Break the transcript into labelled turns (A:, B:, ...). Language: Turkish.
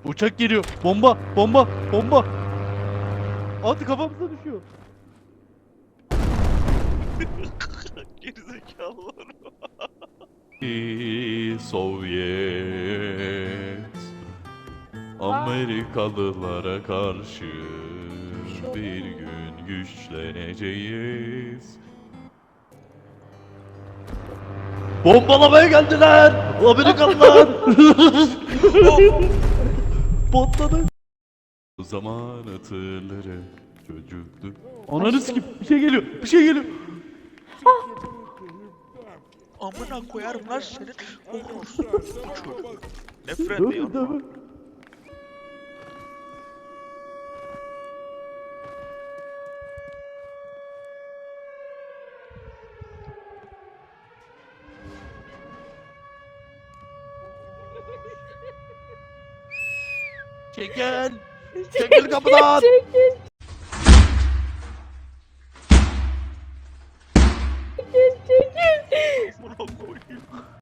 A: Uçak geliyor. Bomba, bomba, bomba. Hadi kafamıza düşüyor.
B: Gerizekalılar.
A: Sovyet Amerikalılara karşı bir gün güçleneceğiz. Bombalamaya geldiler! Amerikalılar! Patladı. O zaman hatırları çocukluk. Ananı sikip bir şey geliyor, bir şey geliyor.
B: Amına koyarım lan senin. Okursun. Bu çocuk. Nefret
A: Dövün,
B: ediyorum.
A: dövün. Çekil! Çekil kapıdan!
C: Çekil.